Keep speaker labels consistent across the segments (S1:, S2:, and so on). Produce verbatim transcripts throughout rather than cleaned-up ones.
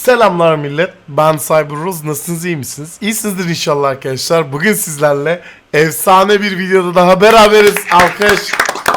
S1: Selamlar millet, ben Cyberruz. Nasılsınız, iyi misiniz? İyisinizdir inşallah arkadaşlar. Bugün sizlerle efsane bir videoda daha beraberiz. Alkış.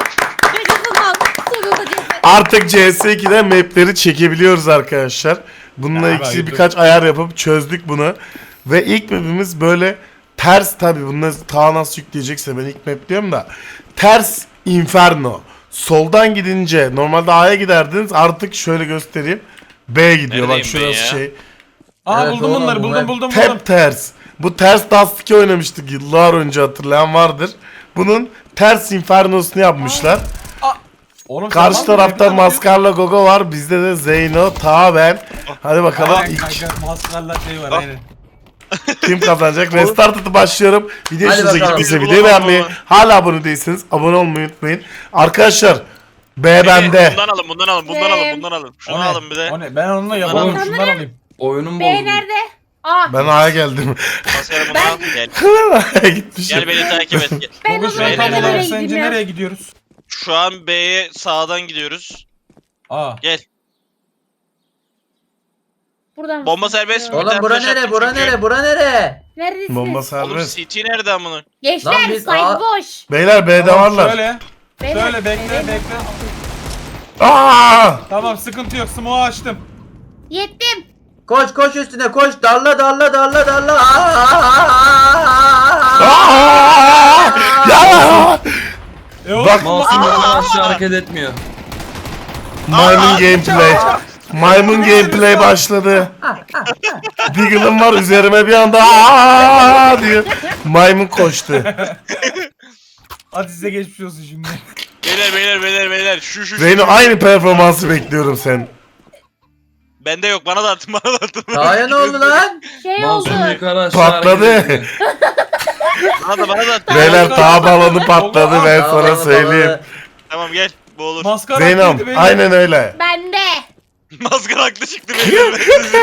S1: Artık C S iki'de mapleri çekebiliyoruz arkadaşlar. Bununla
S2: Ya,
S1: ilgili
S2: hayırdır.
S1: birkaç ayar yapıp çözdük bunu. Ve ilk mapimiz böyle ters, tabi bunu ta nasıl yükleyecekse ben ilk map diyorum da. Ters Inferno. Soldan gidince normalde A'ya giderdiniz, artık şöyle göstereyim. B'ye gidiyor. Bak
S3: Neredeyim ben
S1: şurası
S3: ya?
S1: şey.
S2: Aa
S4: Evet,
S2: buldum
S4: oğlum,
S2: bunları
S4: bu
S2: buldum
S4: hep-
S2: buldum buldum.
S1: Tep ters. Bu ters Dust iki oynamıştık yıllar önce, hatırlayan vardır. Bunun ters Inferno'sunu yapmışlar.
S2: Oğlum,
S1: Karşı
S2: sen var mı?
S1: tarafta
S2: Hep
S1: Maskarla Gogo var. Bizde de Zeyno, Ta, ben. Hadi bakalım
S2: Aynen
S1: ilk
S2: kanka, maskarla şey var
S3: Ah.
S2: aynen.
S1: kim kazanacak? Restart atıp başlıyorum. Video
S4: Hadi
S1: hoşunuza
S4: bakalım.
S1: gittiyse
S3: Biz
S1: videoyu
S3: bulalım
S1: beğenmeyi,
S3: ama.
S1: hala abone değilseniz abone olmayı unutmayın. Arkadaşlar B
S3: Beni
S1: bende.
S3: Bundan alın, bundan alın, bundan alın, bundan alın. Şunu
S2: O ne?
S3: alın bir de.
S2: O ne? Ben onunla yapamam.
S3: Oğlum,
S2: Şundan alayım.
S4: Oyunun
S5: B
S4: bozuldu.
S5: nerede? Aa,
S1: Ben A'ya geldim.
S3: Maskarı bunu al. Gel.
S1: A'ya gitmişim.
S3: Gel beni takip et. Gel.
S5: ben
S2: Bugün
S5: o
S2: şu an
S5: zaman
S3: Beyler,
S2: tam
S5: nereye
S2: olarak
S5: gideyim
S2: sence
S5: ya?
S2: nereye gidiyoruz?
S3: Şu an B'ye sağdan gidiyoruz.
S2: Aa.
S3: Gel.
S5: Buradan.
S3: Bomba serbest mi? Bir
S4: Oğlum
S3: tane
S4: bura
S3: flash
S4: nere?
S3: attım
S4: Bura
S3: çünkü.
S4: nere? Bura nere?
S5: Neredesiniz?
S1: Bomba
S3: Oğlum
S1: serbest.
S3: C T nerede amına?
S5: Gençler,
S4: Lan biz-
S5: site
S4: Aa.
S5: boş.
S1: Beyler B'de
S2: Tamam,
S1: varlar.
S2: Şöyle.
S5: Beyler,
S2: Şöyle bekle
S5: beyler.
S2: bekle.
S1: Aa!
S2: Tamam, sıkıntı yok. Smoke'u açtım.
S5: Yettim.
S4: Koş koş üstüne koş. Darla darla darla darla.
S1: Aa! Ya!
S2: E oğlum,
S1: Bak-
S6: Masum yerden aşağı hareket etmiyor.
S1: Maymun gameplay. Maymun gameplay başladı. Deagle'ım var üzerime bir anda aa diyor. Maymun koştu.
S2: hadi size geçmiş olsun şimdi.
S3: Beyler, beyler, beyler, beyler. Şu, şu, şu.
S1: Zeyno aynı performansı bekliyorum sen.
S3: Bende yok, bana da atın, bana da atın.
S4: Daha ne oldu lan?
S5: Şey
S6: Masum
S5: oldu.
S6: yukarı aşağı hareket
S1: Patladı.
S6: etmiyor.
S3: Bana da, bana da atın.
S1: Beyler tağ balonu patladı, ben sana
S4: Darla,
S1: söyleyeyim.
S4: darla.
S3: Tamam gel, bu olur.
S2: Maskara
S1: Zeynom
S2: haklıydı beyler.
S1: aynen öyle.
S5: Bende.
S3: Maskara haklı çıktı beyler.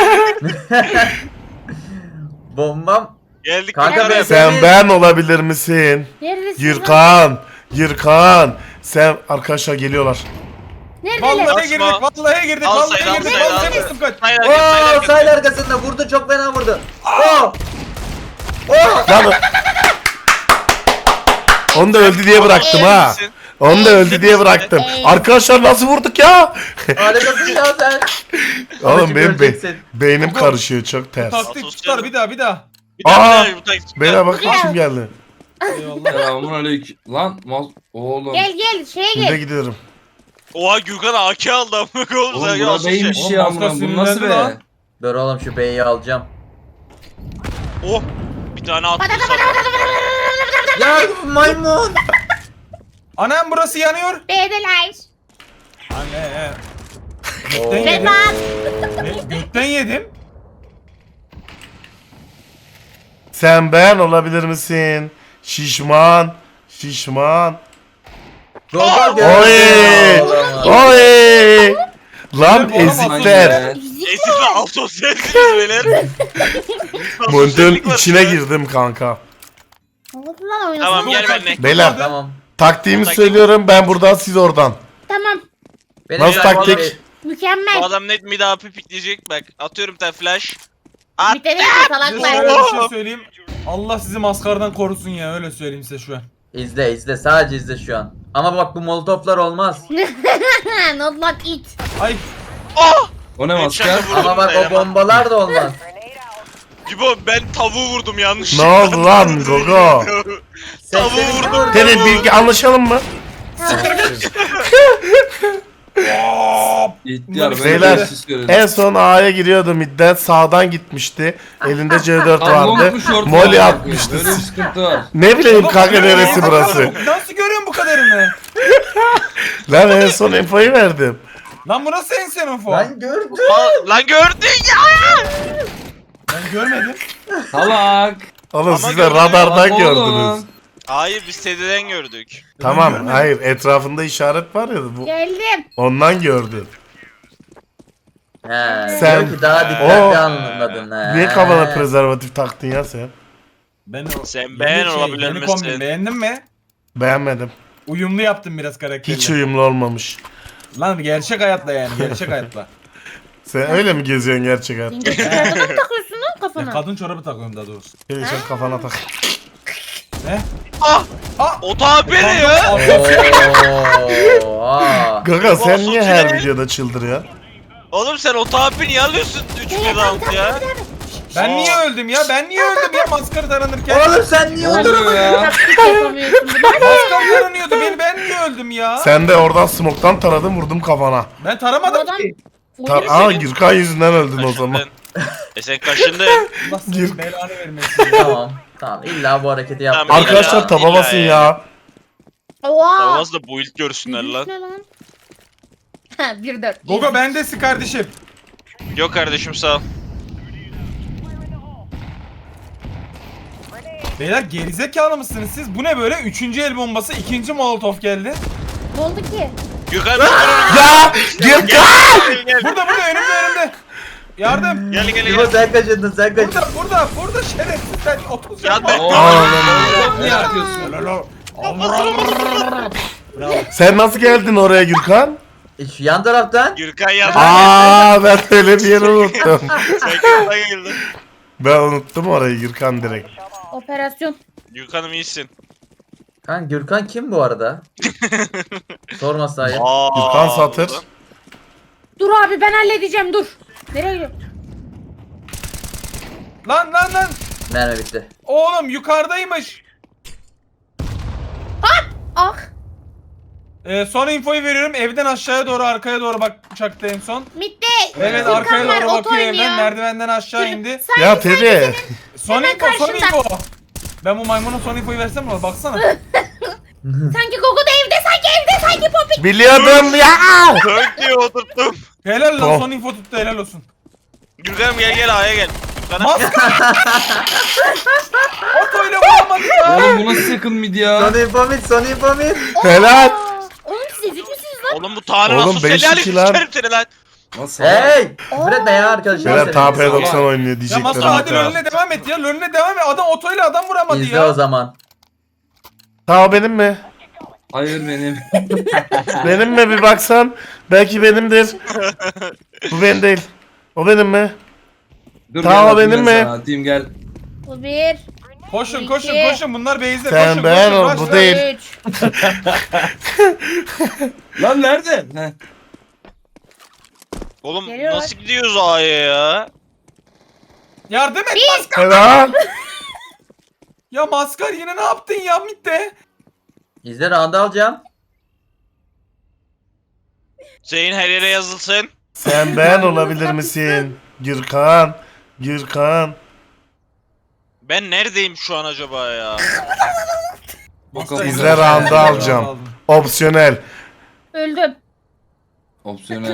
S4: Bombam.
S3: Geldik
S4: Kanka
S3: yukarıya.
S4: ben-
S1: Sen ben olabilir misin?
S5: Neredesiniz? lan?
S1: Yırkan. Yırkan. Sen arkadaşlar geliyorlar.
S5: Neredeler?
S2: Vallahi
S3: Basma.
S2: girdik, vallahi girdik,
S3: Al
S2: vallahi
S3: sayı, al
S2: girdik,
S3: sayı, al
S2: vallahi
S3: sayı.
S2: girdik kaç.
S3: Hayır, hayır, hayır,
S4: Oo
S3: hayır.
S4: sahil arkasında vurdu, çok fena vurdu. Oo.
S1: Lan onu da öldü diye bıraktım ha. Onu da öldü diye bıraktım. Arkadaşlar nasıl vurduk ya?
S4: Harikasın ya sen.
S1: Oğlum
S4: Şimdi
S1: benim be
S4: göreceksin.
S1: beynim karışıyor, çok ters.
S2: Taktik tutar, bir daha bir daha.
S3: Bir daha,
S1: Aa!
S3: bir daha, bu taktik.
S1: Beyler bakın kim geldi.
S2: Eyvallah.
S6: Selamun aleyküm. Lan mas oğlum.
S5: Gel gel şeye
S1: Şimdi
S5: gel.
S1: gidiyorum.
S3: Oha Gürkan A K aldı amına koyayım.
S6: Oğlum
S3: Sen
S6: bura
S3: yazsın şey.
S6: beymiş
S2: Oğlum,
S6: ya
S2: maskar
S6: amına. Bu nasıl
S2: sinirlendi lan.
S6: be?
S4: Dur oğlum şu beyi alacağım.
S3: Oh. Bir tane attı sana.
S4: Ya maymun.
S2: Anam burası yanıyor.
S5: B'deler.
S2: Anne he.
S4: Oo.
S2: Gökten yedim.
S5: Vedat.
S2: Ne? Gökten yedim.
S1: Sen ben olabilir misin? Şişman. Şişman.
S4: Gogo
S1: Oy! Oy! Lan
S2: Oğlum,
S1: ezikler.
S6: Aynen.
S3: Esifle asosyalsiniz beyler.
S1: Monitörün
S3: Asosyallik var
S1: içine
S3: ya.
S1: girdim kanka.
S5: Oldu lan oyun.
S3: Tamam
S5: Tamam.
S3: gel benimle.
S1: Beyler
S4: Tamam.
S1: taktiğimi
S3: Taktik-
S1: söylüyorum, ben buradan siz oradan.
S5: Tamam.
S4: Benim
S1: Nasıl
S4: biraz-
S1: taktik?
S3: Bu
S5: Mükemmel.
S3: adam net mid A P pikleyecek bak. Atıyorum bir tane flash. At.
S5: Bir tane de
S2: Size
S5: salaklar.
S2: şöyle bir şey söyleyeyim. Allah sizi maskardan korusun ya, öyle söyleyeyim size şu an.
S4: İzle izle, sadece izle şu an. Ama bak bu molotoflar olmaz.
S5: Not like it.
S2: Ay
S3: Oh!
S6: O ne maskar?
S3: Headshot'ı vurdum
S4: Ama bak o
S3: sayılamam.
S4: bombalar da olmaz.
S3: Cibo ben tavuğu vurdum yanlış.
S1: Ne oldu lan Gogo?
S3: Tavuğu
S4: Sesleri
S3: vurdum.
S4: vurdu.
S1: Senin bilgi anlaşalım mı?
S6: İhtiyar ben
S1: Beyler,
S6: de siz görün.
S1: En son A'ya giriyordu midden, sağdan gitmişti. Elinde C dört
S6: Lan long
S1: vardı.
S6: mu short mu?
S1: Molly atmıştı.
S6: Böyle bir sıkıntı var.
S1: Ne bileyim
S2: Oğlum,
S1: kanka
S2: oğlum,
S1: neresi
S2: oğlum,
S1: burası?
S2: Nasıl görüyorsun bu kadarını?
S1: Lan en son infoyu verdim.
S2: Lan bu nasıl en senin fon?
S4: Ben gördüm.
S3: Aa, lan gördün ya.
S2: Ben görmedim.
S6: Salak.
S1: Oğlum
S3: Ama
S1: siz de
S3: gördüm.
S1: radardan
S6: Bak
S1: gördünüz.
S6: oğlum.
S3: Hayır biz sededen gördük.
S1: Tamam, hayır, etrafında işaret var ya, bu
S5: Geldim.
S1: ondan gördüm.
S4: He.
S1: Sen-
S4: Diyor ki daha dikkatli
S1: Oo.
S4: anladın he.
S1: Niye kafana prezervatif taktın ya sen?
S2: Ben o
S3: Sen
S2: yeni
S3: beğen olabilir
S2: yeni
S3: misin?
S2: kombin beğendin mi?
S1: Beğenmedim.
S2: Uyumlu yaptım biraz karakterle.
S1: Hiç uyumlu olmamış.
S2: Lan gerçek hayatla yani, gerçek hayatla.
S1: Sen öyle mi geziyorsun gerçek hayatta?
S5: Zincir çorabını mı takıyorsun lan
S2: Ya
S5: kafana?
S2: kadın çorabı takıyorum daha doğrusu.
S1: Gel sen kafana tak.
S2: Ne?
S3: Ah!
S2: Ah!
S3: O tabi ne ya?
S4: Oo.
S1: Gaga sen
S3: Olsun
S1: niye her
S3: ki.
S1: videoda çıldırıyor?
S3: Oğlum sen o tabi niye alıyorsun üç bir round ya?
S2: Ben niye öldüm ya? Ben niye öldüm ya maskara taranırken?
S4: Oğlum sen niye
S6: Ne
S4: öldün?
S6: oluyor ya?
S5: Taktik yapamıyorsun bunu.
S2: Maskara taranıyordu beni, ben niye öldüm ya?
S1: Sen de oradan smoke'tan taradım vurdum kafana.
S2: Ben
S5: Bu
S2: taramadım
S5: adam...
S2: ki.
S1: Ta Aa Gürkan yüzünden öldün o zaman.
S3: Kaşındın. E sen kaşındın.
S2: Allah senin belanı vermesin.
S4: Tamam. Tamam illa bu hareketi yaptım.
S3: Tamam,
S1: Arkadaşlar
S3: İlla-
S1: taba
S3: illa
S1: basın
S3: ya.
S1: ya.
S5: Oha!
S3: Tamam da bu ilk görsünler
S5: Yürüyüş
S3: lan.
S5: ne lan? Ha bir dört.
S2: Gogo bendesin kardeşim.
S3: Yok kardeşim sağ ol.
S2: Beyler gerizekalı mısınız siz? Bu ne böyle? Üçüncü el bombası, ikinci molotof geldi.
S5: Ne oldu ki?
S3: Gökhan dur dur
S1: Ya Gürkan!
S3: gel gel.
S2: Burada burada önümde önümde. Yardım.
S3: Gel gel
S4: İbo
S3: gel.
S4: sen kaçırdın sen kaçırdın.
S2: Burada burada burada şerefsiz sen otuz
S3: Ya
S2: yapma.
S3: ben-
S6: Oğlum niye atıyorsun?
S1: Sen nasıl geldin oraya Gürkan?
S4: E, şu yan taraftan.
S3: Gürkan yanına
S1: Aa ben öyle bir yeri unuttum.
S3: Sen yanına geldin.
S1: Ben unuttum orayı Gürkan direkt.
S5: Operasyon.
S3: Gürkan'ım iyisin.
S4: Kan Gürkan kim bu arada? Sorma sahi.
S3: Aa,
S1: Gürkan Satır.
S5: Dur abi ben halledeceğim dur. Nereye gidiyorsun?
S2: Lan lan lan.
S4: Mermi bitti.
S2: Oğlum yukarıdaymış.
S5: Ah!
S2: Ee, son infoyu veriyorum. Evden aşağıya doğru arkaya doğru bak uçakta en son.
S5: Mitte.
S2: Evet
S5: Gürkan
S2: arkaya
S5: var,
S2: doğru
S5: oto
S2: bakıyor evden.
S5: oynuyor.
S2: Merdivenden aşağı indi.
S5: Sanki,
S1: Ya Teddy.
S2: Son
S5: Hemen
S2: info son
S5: karşında.
S2: info. Ben bu maymuna son infoyu versem mi? Baksana.
S5: sanki Gogo da evde sanki evde sanki Poppy.
S1: Biliyordum ya.
S3: Dört diye oturttum.
S2: Helal lan
S1: Tamam.
S2: son info tuttu helal olsun.
S3: Gürkan'ım gel gel A'ya gel. Gürkan'ım.
S2: Maskar. Otoyla vuramadı ya.
S6: Oğlum bu nasıl yakın mid ya?
S4: Son info mid, son info mid.
S1: Helal.
S5: Aa, Oğlum siz ezik misiniz lan?
S3: Oğlum bu Tanrı
S1: Oğlum,
S3: nasıl
S1: beş
S3: selali
S1: iki lan.
S3: sikerim seni lan.
S6: Nasıl?
S4: Hey! Küfür etme ya arkadaşlar.
S1: Beyler
S4: senin.
S1: T P doksan oynuyor
S2: Ya
S1: diyecekler.
S2: Maskar hadi önüne devam et ya. Önüne devam et. Adam otoyla adam vuramadı
S4: İzle
S2: ya.
S4: o zaman.
S1: Ta benim mi?
S6: Hayır benim.
S1: Benim mi bir baksan? Belki benimdir. Bu benim değil. O benim mi?
S6: Dur
S1: Tamam,
S6: gel atayım
S1: benim
S6: ben
S1: mi?
S6: sana, atayım gel.
S5: Bu bir.
S2: Koşun
S5: Bu
S2: koşun
S5: iki.
S2: koşun bunlar base'de
S1: Sen
S2: koşun
S1: ben
S2: koşun.
S1: ol,
S2: rush,
S1: bu
S2: rush.
S1: değil.
S5: Üç.
S6: Lan nerede? Heh.
S3: Oğlum
S5: Geliyor.
S3: nasıl gidiyoruz A'ya ya?
S2: Yardım et Maskar.
S1: Helal.
S2: Ya Maskar yine ne yaptın ya mitte?
S4: İzle round alacağım.
S3: Zeyn her yere yazılsın.
S1: Sen ben olabilir misin? Gürkan. Gürkan.
S3: Ben neredeyim şu an acaba ya?
S6: Bakalım.
S1: İzle round'u alacağım. Opsiyonel.
S5: Öldüm.
S6: Opsiyonel.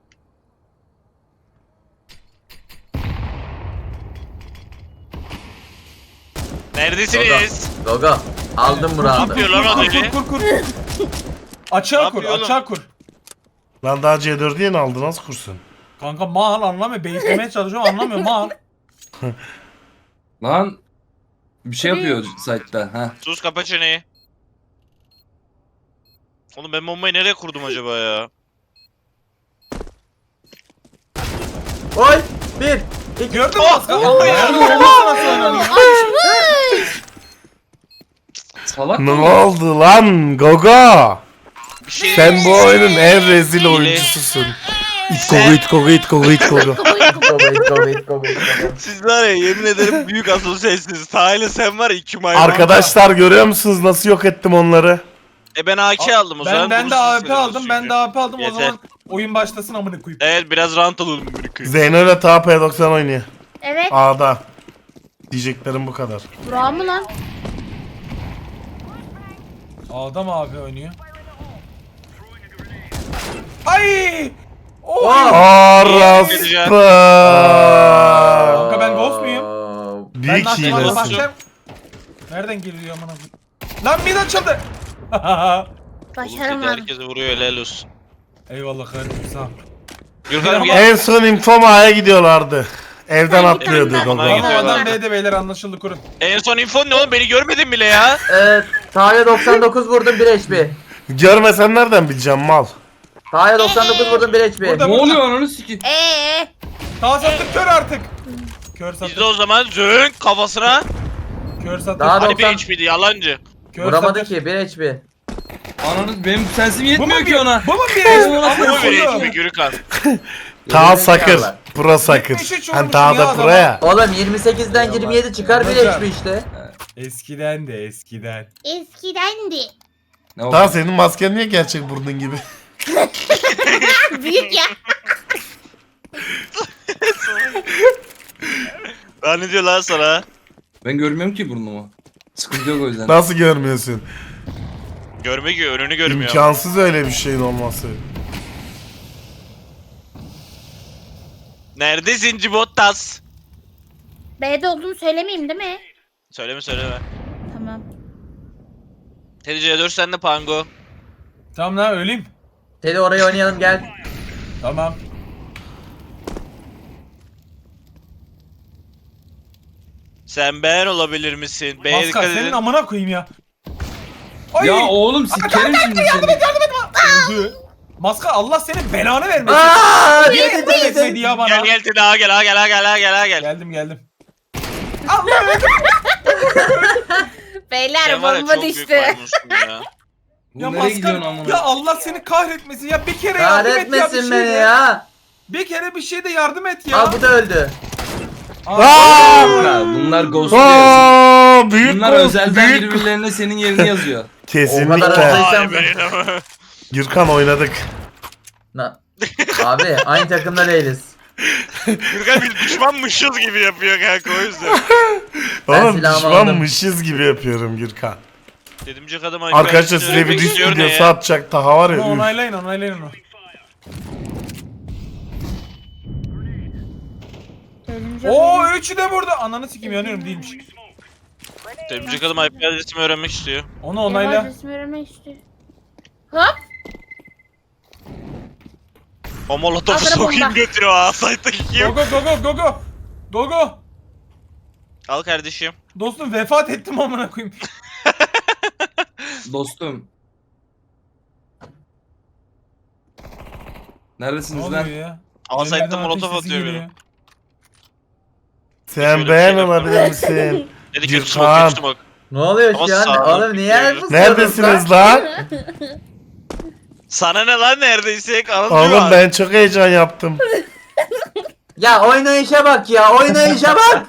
S3: Neredesiniz?
S4: Gogo. Aldım bu
S3: Ne
S4: roundu.
S3: yapıyor lan o
S2: Kur
S3: deli?
S2: kur kur kur. Açığa
S3: Ne
S2: kur
S3: yapıyor oğlum?
S2: açığa kur.
S1: Lan daha C dördü yeni aldı nasıl kursun?
S2: Kanka mal anlamıyor. Beyitlemeye çalışıyorum anlamıyor mal.
S6: Lan bir şey yapıyor site'da. Ha.
S3: Sus kapa çeneyi. Oğlum ben bombayı nereye kurdum acaba ya?
S4: Oy! Bir! İki!
S2: Gördün mü
S3: Oh,
S2: Maskar?
S3: oh,
S2: Allah
S3: ya.
S2: ya. Nasıl oynanıyor?
S5: Açmış.
S6: Salak
S1: Ne
S6: mı?
S1: oldu lan Gogo?
S3: Bir şey
S1: Sen bu oyunun en rezil
S3: Hile.
S1: oyuncususun. İt Gogo it Gogo it Gogo it Gogo.
S4: Gogo, Gogo, Gogo, Gogo.
S3: Siz var ya yemin ederim büyük asosyalsiniz. Tahil'e sen var ya iki maymun.
S1: Arkadaşlar görüyor musunuz nasıl yok ettim onları?
S3: E ben A K aldım o zaman.
S2: Ben, ben de
S3: vurursunuz
S2: A W P
S3: siz
S2: aldım. Ben
S3: çünkü.
S2: de A W P aldım. O
S3: Yeter.
S2: zaman oyun başlasın amına koyayım.
S3: Evet biraz rant alalım bir kız.
S1: Zeyno ile T P doksan oynuyor.
S5: Evet.
S1: A'da. Diyeceklerim bu kadar.
S5: Burak mı lan?
S2: Adam abi oynuyor. Ay! Oh!
S4: Wow.
S1: Orospu.
S2: Kanka ben ghost muyum?
S4: Oo.
S2: Ben
S1: Büyük
S2: nakliye
S1: hilesin.
S2: bakacağım. Nereden geliyor amına koyayım? Lan mid açıldı.
S5: Başaramadım.
S3: Herkese vuruyor helal olsun.
S2: Eyvallah kardeşim sağ ol.
S3: Gürkan'ım gel.
S1: En son infom A'ya gidiyorlardı. Evden
S5: Sen
S1: atlıyordu
S5: bir tane
S1: Gogo.
S3: daha-
S2: Ama
S3: gidiyorlar.
S2: adam B'de beyler anlaşıldı kurun.
S3: En son info ne oğlum beni görmedin bile ya.
S4: Evet. Tahya doksan dokuz vurdum bir H P.
S1: Görmesen nereden bileceğim mal?
S4: Taha'ya doksan dokuz vurdum bir H P.
S2: Burada.
S6: Ne oluyor ananı sikeyim?
S5: Eee.
S2: Sağ sattık kör artık. Kör
S3: Biz
S2: sattık.
S3: de o zaman zönk kafasına.
S2: Kör sattık.
S4: Daha
S3: Hadi bir
S4: doksan
S3: H P'di yalancı.
S2: Kör
S4: vuramadı
S2: sattık.
S4: ki bir H P.
S6: Ananı benim sensim
S2: Bu mu
S6: yetmiyor
S2: bir,
S6: ki ona.
S2: bu mu bir
S6: Ee,
S2: eş?
S6: bu
S2: Ama
S3: Bu mu bir H
S2: koyuyor.
S3: P Gürkan?
S1: Ta sakır.
S4: Gerizekalılar.
S1: Pro sakır.
S2: yetmiş üç
S1: Hani
S2: olmuşum
S1: daha
S2: ya
S1: da
S2: adam.
S1: pro ya.
S4: Oğlum yirmi sekizden yirmi yedi çıkar bir H P işte.
S2: Eskiden de eskiden.
S5: Eskidendi.
S6: Ne
S1: Ta
S6: oldu?
S1: senin masken niye gerçek burnun gibi?
S5: Büyük ya.
S3: Daha ne diyor lan sana?
S6: Ben görmüyorum ki burnumu. Sıkıntı yok o yüzden.
S1: Nasıl görmüyorsun?
S3: Görme ki önünü görmüyor.
S1: İmkansız öyle bir şeyin olması.
S3: Neredesin Cibottas?
S5: B'de olduğunu söylemeyeyim değil mi?
S3: Söyleme söyleme.
S5: Tamam.
S3: Teddy C dört sende Pango.
S2: Tamam lan öleyim.
S4: Teddy oraya oynayalım gel.
S2: Tamam.
S3: Sen ben olabilir misin? B'ye
S2: Maskar
S3: dikkat
S2: senin
S3: edin.
S2: amına koyayım ya. Ay.
S6: Ya oğlum sikerim şimdi seni.
S2: Öldü. Maskar Allah senin belanı vermesin.
S4: Aaa!
S2: Niye
S4: Teddy
S2: etmedi
S4: Teddy.
S2: ya bana?
S3: Gel gel Teddy ağa gel ağa gel ağa gel ağa gel ağa gel.
S2: Geldim geldim. Allah öldü.
S5: Beyler
S3: Sen var ya
S5: bomba
S3: çok büyük
S5: düştü.
S3: maymunsun ya.
S6: Bu
S2: Ya
S6: nereye gidiyorsun
S2: Maskar
S6: amına?
S2: ya Allah seni kahretmesin ya bir kere yardım et ya bir
S4: Kahretmesin beni
S2: şeyde.
S4: ya.
S2: Bir kere bir şeyde yardım et ya.
S4: Aa bu da öldü.
S2: Aa,
S6: Kanka, bunlar ghostluyor.
S1: Aa, büyük
S6: Bunlar
S1: gol,
S6: özelden
S1: büyük.
S6: birbirlerine senin yerini yazıyor.
S1: Kesinlikle.
S4: O kadar-
S3: Vay benim.
S1: Gürkan oynadık.
S4: Na- Abi aynı takımda değiliz.
S3: Gürkan biz düşmanmışız gibi yapıyor kanka o yüzden.
S4: Ben
S1: Oğlum
S4: silahımı
S1: düşmanmışız gibi yapıyorum Gürkan.
S3: Dedimcek adam
S1: Arkadaşlar size bir disk videosu atacak daha var
S2: Onu
S1: ya. üf.
S2: onaylayın onaylayın onu.
S5: Ölümcül
S2: Oo
S5: benim.
S2: üçü de burada. Ananı sikeyim yanıyorum değilmiş.
S3: Dedimcek adam I P adresimi öğrenmek istiyor.
S2: Onu
S5: Benim
S2: onayla.
S5: adresimi öğrenmek istiyor. Hop.
S3: O molotofu
S5: Hazır
S3: sokayım
S5: bomba.
S3: götürüyor ha site'daki
S2: Go
S3: kim?
S2: go go go go go. Go go.
S3: Al kardeşim.
S2: Dostum vefat ettim amına koyayım.
S6: Dostum.
S2: Ne
S6: Neredesiniz
S2: oluyor
S6: lan?
S2: ya?
S3: Al
S2: Elimden
S3: site'da molotof
S2: ateş sesi
S3: atıyor
S2: geliyor.
S3: beni.
S1: Sen
S3: Şöyle bir
S1: beğen
S3: şey yapalım.
S1: olabilir misin?
S3: Dedi
S1: Gürkan.
S3: kötü smoke kötü smoke.
S4: Ne oluyor
S3: Ama
S4: şu an?
S3: sağ ol.
S4: Oğlum niye el pusuyorsunuz
S1: Neredesiniz
S4: lan?
S1: lan?
S3: Sana ne lan neredeysek anlatıyor.
S1: Oğlum ben çok heyecan yaptım.
S4: Ya oynayışa bak ya oynayışa bak.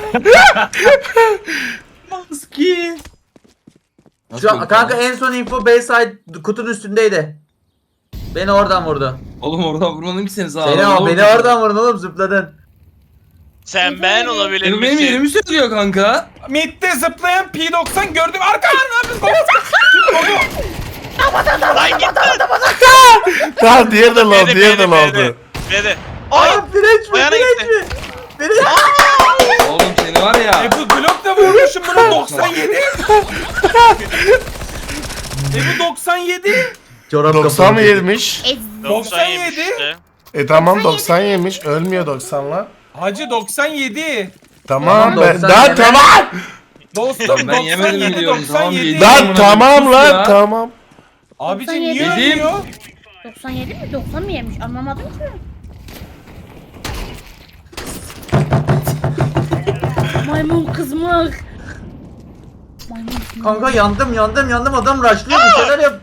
S6: Maski.
S4: Şu an, kanka en son info Bayside kutunun üstündeydi. Beni oradan vurdu.
S6: Oğlum oradan vurmadım ki seni sağa.
S4: Seni o beni oradan vurdun oğlum zıpladın.
S3: Sen ben olabilir
S6: Benim, benim
S3: misin?
S6: yerimi söylüyor kanka.
S2: Mid'de zıplayan P doksan gördüm. Arka ne yapıyorsun? Go go.
S3: Lan git lan.
S1: Tamam diğer de low,
S3: B'de,
S1: diğer de
S3: B'de,
S1: low'du.
S3: B'de. B'de. Ay!
S4: Aa direnç mi
S3: Ayağına
S4: direnç
S3: gitti.
S4: mi? Direnç.
S6: Oğlum seni var ya.
S2: E bu Glock da vurmuşum bunu doksan yedi. E bu doksan yedi.
S4: Çorap
S1: doksan
S4: kapalı.
S1: yemiş.
S5: Ez.
S2: doksan yedi.
S3: yemiş işte.
S1: E tamam doksan yemiş. Ölmüyor doksanla.
S2: Hacı doksan yedi.
S1: Tamam
S4: Tamam,
S1: ben
S4: doksan
S1: daha
S4: yeme.
S1: tamam.
S2: Dostum
S6: Ben yemedim
S2: doksan yedi
S6: biliyorum, tamam,
S2: doksan yedi.
S6: yedim.
S1: Lan
S6: Sus
S1: tamam lan
S6: ya.
S1: tamam.
S2: Abicim niye
S5: doksan
S6: yedi.
S2: ölüyor?
S5: doksan yedi mi? doksan mı yemiş? Anlamadım ki. Maymun kızmak. Maymun kızmak.
S4: Kanka yandım yandım yandım adam rushlıyor bir şeyler yap.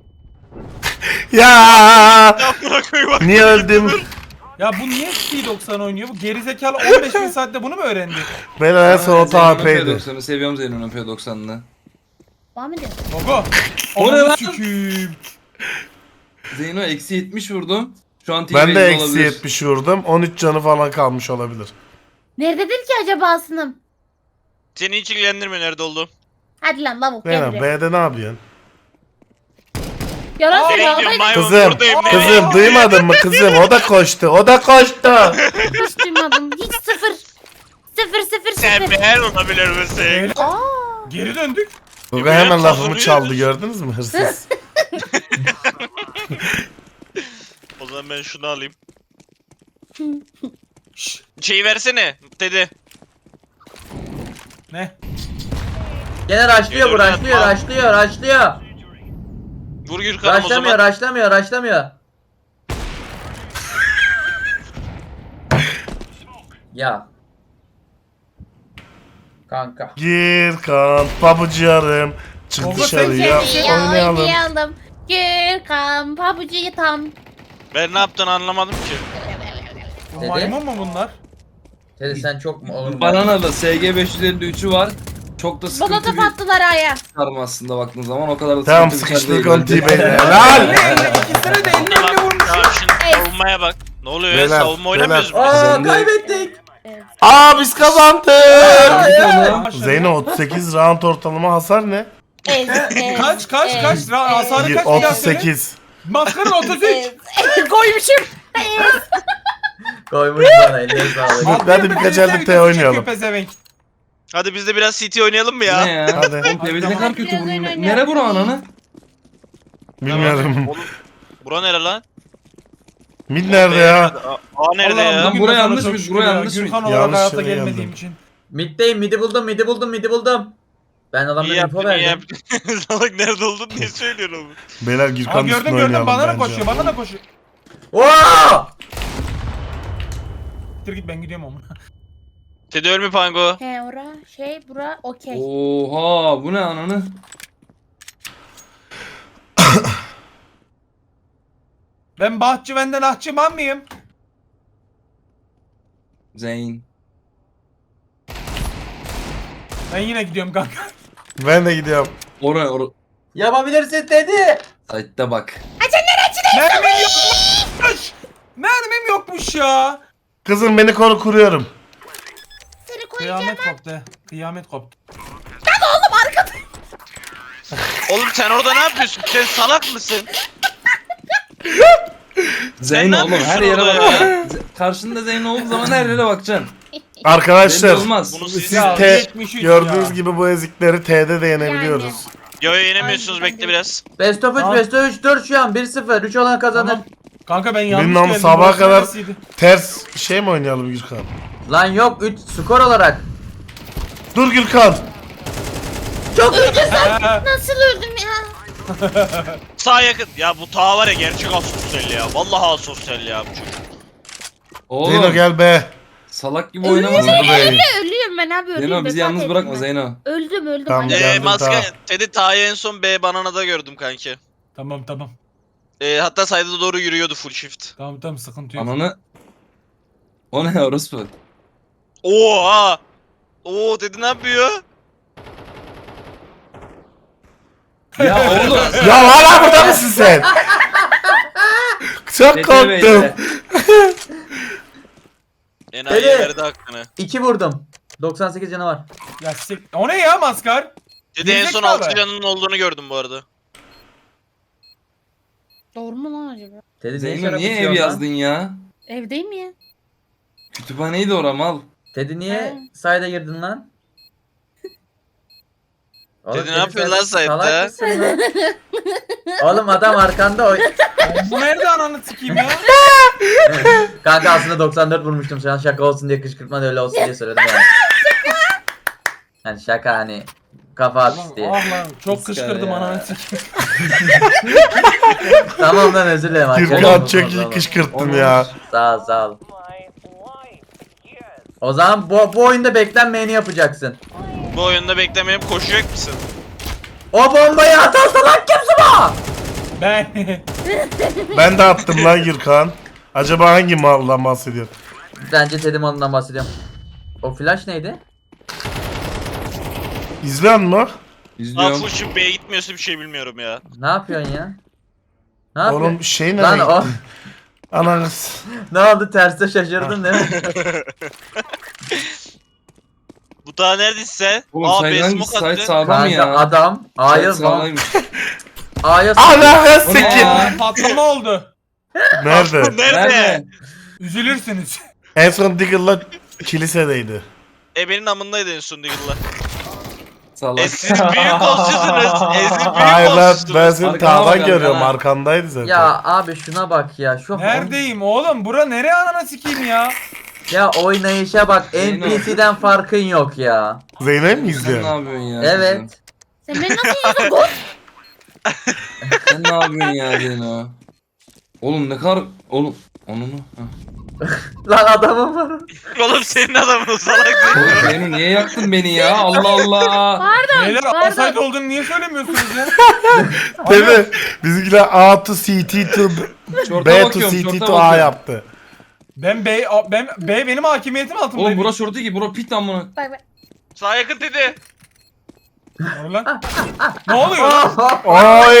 S1: Ya
S3: Amına koyayım bak.
S1: niye öldüm?
S2: Ya bu niye P doksan oynuyor? Bu gerizekalı on beş bin saatte bunu mu öğrendi?
S1: Ben en son o
S6: Zeynep'in
S1: P
S6: P
S1: P'ydi.
S6: doksanı seviyorum Zeynep'in P doksanını.
S5: Devam edin.
S2: Gogo.
S6: O ne
S2: Ananı
S6: lan?
S2: sikeyim.
S6: Zeyno eksi yetmiş vurdum. Şu an
S1: Ben de
S6: T-Base'de
S1: eksi
S6: olabilir.
S1: yetmiş vurdum. on üç canı falan kalmış olabilir.
S5: Nerededir ki acaba Asınım?
S3: Seni hiç ilgilendirmiyor nerede olduğum.
S5: Hadi lan lavuk gel
S1: Benim
S5: buraya.
S1: B'de ne yapıyorsun?
S5: Yalan
S3: Nereye
S5: söyle
S3: gidiyorsun
S5: oradaydı.
S3: maymun
S1: Kızım,
S3: buradayım. nereye
S1: kızım
S3: gidiyorsun?
S1: duymadın mı kızım? O da koştu, o da koştu.
S5: Hiç duymadım. Hiç sıfır. Sıfır sıfır
S3: Sen
S5: sıfır.
S3: ben olabilir misin?
S2: Beyler,
S5: Aa.
S2: Geri döndük.
S1: Gogo hemen lafımı
S3: kazanıyoruz.
S1: çaldı gördünüz mü hırsız?
S3: O zaman ben şunu alayım.
S2: Şşş.
S3: Şeyi versene dedi.
S2: Ne?
S4: Gene rushlıyor bu rushlıyor rushlıyor rushlıyor.
S3: Vur Gürkan'ım o
S4: Rushlamıyor
S3: zaman.
S4: rushlamıyor rushlamıyor. Ya. Kanka.
S1: Gir kan pabucarım. Çık
S2: Gogo,
S1: dışarıya
S2: sen
S5: Ya
S1: oynayalım.
S5: oynayalım. Gürkan pabucuyu tam.
S3: Ben ne yaptığını anlamadım ki.
S2: Bu
S4: Dede?
S2: maymun mu bunlar?
S4: Teddy sen çok mu oğlum?
S6: Bananalı S G beş yüz elli üçü var. Çok da sıkıntı
S5: Bana
S6: bir
S5: attılar aya.
S6: çıkarma aslında baktığın zaman o kadar da
S1: Tamam
S6: sıkıntı bir şey
S1: sıkıştık
S6: değil
S1: on
S6: bence.
S1: T-Bey'le. Helal.
S2: Elle elle ikisini de elle elle vurmuş.
S3: Ya şimdi savunmaya bak. Ne oluyor ya?
S1: Beyler,
S3: Savunma oynamıyoruz mu?
S4: Aa
S6: Sen de-
S4: kaybettik.
S1: Aa biz kazandık.
S6: Oğlum,
S1: Zeyno otuz sekiz round ortalama hasar ne?
S5: Ez, ez,
S2: Kaç kaç
S5: ez,
S2: kaç? Ra- Hasarı
S1: Bir-
S2: kaç bir daha söyle.
S1: otuz sekiz.
S2: Maskarın otuz üç.
S5: ez. Koymuşum.
S4: Koymuş bana eline sağlık.
S1: Hadi, hadi birkaç elde T oynayalım.
S2: Pezevenk.
S3: Hadi biz de biraz C T oynayalım mı ya?
S6: Ne ya?
S1: Hadi.
S6: Oğlum tebrik ne kadar kötü
S5: Biraz
S6: bu.
S5: oyun
S6: Ne-
S5: oynayalım.
S6: Nere bura ananı?
S1: Bilmiyorum.
S3: Oğlum, bura nere lan?
S1: Mid nerede ya?
S3: Aa nerede
S2: Allah'ım
S3: ya?
S6: Lan
S2: bugün
S6: buraya
S2: de sana
S6: yanlış
S2: çok
S6: mı?
S2: şükür
S6: Buraya
S2: ya.
S6: yanlış mı?
S2: Gürkan olarak
S1: Yanlış
S2: hayata
S1: yere
S2: gelmediğim
S1: geldim.
S2: için.
S4: Middeyim midi buldum midi buldum midi buldum. Ben
S3: İyi
S4: adamlara info
S3: yaptın iyi
S4: verdim.
S3: yaptın. Salak nerede oldun diye söylüyorum.
S1: Beyler
S2: Aa
S1: Gürkan üstüne
S2: gördüm gördüm
S1: oynayalım
S2: bana da
S1: bence.
S2: koşuyor bana da koşuyor.
S4: Oo!
S2: Dur git ben gidiyorum ama.
S3: Teddy ölme Pango.
S5: He ora şey bura okey.
S6: Oha bu ne ananı?
S2: Ben bahçıvenden ahçıman mıyım?
S6: Zeyn.
S2: Ben yine gidiyorum kanka.
S1: Ben de gidiyorum.
S6: Oraya oraya.
S4: Yapabilirsin Teddy.
S6: Site'de bak.
S2: Mermim yokmuş. Mermim yokmuş ya.
S1: Kızım beni koru kuruyorum.
S5: Seni koyacağım.
S2: Kıyamet koptu. Kıyamet koptu.
S3: Oğlum sen orada ne yapıyorsun? Sen salak mısın?
S6: Zeyn
S3: ne
S6: oğlum her
S3: yapıyorsun
S6: yere
S3: orada
S6: bakacaksın. Karşında Zeyn olduğu zaman her yere bakacaksın.
S1: Arkadaşlar
S6: Belli olmaz.
S3: Bunu
S1: siz
S3: siz
S2: Ya,
S1: T
S2: yetmiş üç
S1: gördüğünüz
S2: ya.
S1: gibi bu ezikleri T'de de yenebiliyoruz.
S3: Yo yo yenemiyorsunuz
S5: Ay,
S3: bekle biraz.
S4: Best of üç
S2: Tamam.
S4: best of üç dur şu an bir sıfır. üç olan kazanır.
S2: Tamam. Kanka ben yanlış
S1: Bilmem
S2: geldim.
S1: sabaha
S2: burası
S1: kadar
S2: neresiydi?
S1: ters şey mi oynayalım Gürkan?
S4: Lan yok üç skor olarak.
S1: Dur Gürkan.
S4: Çok iyi.
S2: Ha,
S5: Nasıl öldüm ya?
S3: Sağ yakın. Ya bu ta var ya gerçek asosyal ya. Vallahi asosyal ya bu çocuk.
S1: Zeyno
S6: Oğlum
S1: gel be.
S6: salak gibi oynamasın.
S1: Dur be.
S5: Ölüyorum ben abi ölüyorum.
S6: Zeyno bizi
S5: vefat
S6: yalnız
S5: ettim
S6: bırakma
S5: ben.
S6: Zeyno.
S5: Öldüm öldüm.
S1: Tamam,
S5: Hadi.
S1: gel.
S3: Eee
S1: Geldim,
S3: maske
S1: tamam.
S3: Teddy Ta'yı en son B bananada gördüm kanki.
S2: Tamam tamam.
S3: Ee, hatta sayda doğru yürüyordu full shift.
S2: Tamam tamam sıkıntı yok.
S6: Ananı. O ne orospu?
S3: Oha! Oo Teddy ne yapıyor?
S6: Ya oğlum.
S1: Ya hala burada mısın sen? Çok
S6: Teddy
S1: korktum.
S6: Bey'le.
S3: Enayi
S4: Teddy.
S3: verdi hakkını.
S4: iki vurdum. doksan sekiz canı var.
S2: Ya sik... O ne ya maskar?
S3: Teddy en son
S2: Gerizekalı.
S3: altı canının olduğunu gördüm bu arada.
S5: Doğru mu lan acaba?
S4: Teddy ne
S6: Zeyno
S4: şarap
S6: niye ev
S4: içiyorsun lan?
S6: yazdın ya?
S5: Evdeyim ya.
S6: Kütüphaneydi ora mal.
S4: Teddy niye
S5: Ha.
S4: sayda girdin lan? Oğlum,
S3: Teddy ne yapıyor lan
S4: sen
S3: sayda?
S4: salak mısın lan? Oğlum adam arkanda oy.
S2: Bu nerede ananı sikeyim ya?
S4: Kanka aslında doksan dört vurmuştum şu an şaka olsun diye kışkırtma da öyle olsun diye söyledim yani. Hani şaka hani kafa at
S2: Ulan,
S4: diye.
S2: ah lan çok
S6: Maskar
S2: kışkırdım
S6: ya.
S2: ananı sikeyim.
S4: Tamam lan özür dilerim.
S1: Gürkan
S4: arkadaşlar.
S1: çok iyi kışkırttın ya.
S4: Sağ ol sağ ol. O zaman bu, bu oyunda beklenmeyeni yapacaksın.
S3: Bu oyunda beklemeyip koşacak mısın?
S4: O bombayı atan salak kimsin o?
S2: Ben.
S1: Ben de attım lan Gürkan. Acaba hangi maldan bahsediyor?
S4: Bence Teddy malından bahsediyorum. O flash neydi?
S1: İzleyen mi?
S3: Aa
S6: İzliyorum.
S3: full shift B'ye gitmiyorsa bir şey bilmiyorum ya.
S4: Ne yapıyorsun ya? Ne yapıyorsun?
S1: Oğlum şey
S4: Lan
S1: nereye
S4: o
S1: gitti? Ananız.
S4: ne oldu terste şaşırdın değil mi?
S3: Bu daha neredeyse.
S6: Oğlum
S3: Aa
S6: site
S3: B
S6: hangi
S3: smoke
S6: site
S3: attı.
S6: sağlam
S4: Kanka
S6: ya?
S4: adam
S6: Site
S4: A'ya
S6: sağlammış.
S4: A'ya
S1: Ananı
S6: O ne
S1: sikim.
S6: ya?
S2: Patlama oldu.
S1: Nerede?
S3: Nerede?
S6: Nerede?
S2: Üzülürsünüz.
S1: En son Diggle'la kilisedeydi.
S3: Ebenin amındaydı en son Diggle'la.
S6: Salak.
S3: E siz büyük olsuyorsunuz. E siz büyük
S1: Hayır lan ben
S3: olsuyorsunuz.
S1: seni
S6: Arkana
S1: tağdan
S6: bak,
S1: görüyorum.
S6: arkana.
S1: Arkandaydı zaten.
S4: Ya abi şuna bak ya. Şu
S2: Neredeyim oğlum? Bura nereye ananı sikeyim ya?
S4: Ya oynayışa bak.
S6: Zeyno.
S4: N P C'den farkın yok ya.
S1: Zeynep mi
S6: Sen ne
S1: izliyor?
S6: yapıyorsun ya?
S4: Evet.
S5: Sen beni nasıl yiyorsun? Gol.
S6: Sen ne yapıyorsun ya Zeyno? Oğlum ne kadar... Oğlum Onunu. Hah.
S4: Lan adamım var.
S3: Oğlum senin adamın salak
S6: Oğlum
S3: Zeyno.
S6: Zeyno niye yaktın beni ya? Allah Allah.
S5: Pardon
S2: Beyler
S5: pardon.
S2: offside olduğunu niye söylemiyorsunuz ya?
S1: Değil mi? Bizimkiler A to C T to
S6: Şorta
S1: B to
S6: bakıyorum,
S1: C T
S6: şorta
S1: to A
S6: bakıyorum.
S1: yaptı.
S2: Ben B, ben B benim hakimiyetim altındaydı.
S6: Oğlum bura şortu ki, bura pit lan buna.
S5: Bak bak.
S3: Sağ yakın dedi.
S2: Doğru lan. Ne oluyor lan?
S1: Oy!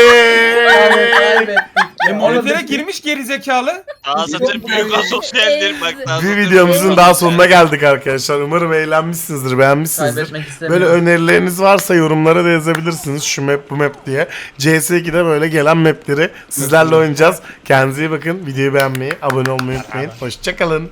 S2: E, monitöre girmiş geri zekalı.
S3: Daha satır büyük asosyaldir bak. daha
S1: Bir
S3: satır
S1: videomuzun
S3: büyük
S1: daha
S3: asosyal.
S1: sonuna geldik arkadaşlar. Umarım eğlenmişsinizdir, beğenmişsinizdir.
S4: Kaybetmek
S1: Böyle
S4: istemiyorum.
S1: önerileriniz varsa yorumlara da yazabilirsiniz. Şu map bu map diye. C S iki'de böyle gelen mapleri sizlerle oynayacağız. Kendinize iyi bakın. Videoyu beğenmeyi, abone olmayı unutmayın. Hoşçakalın.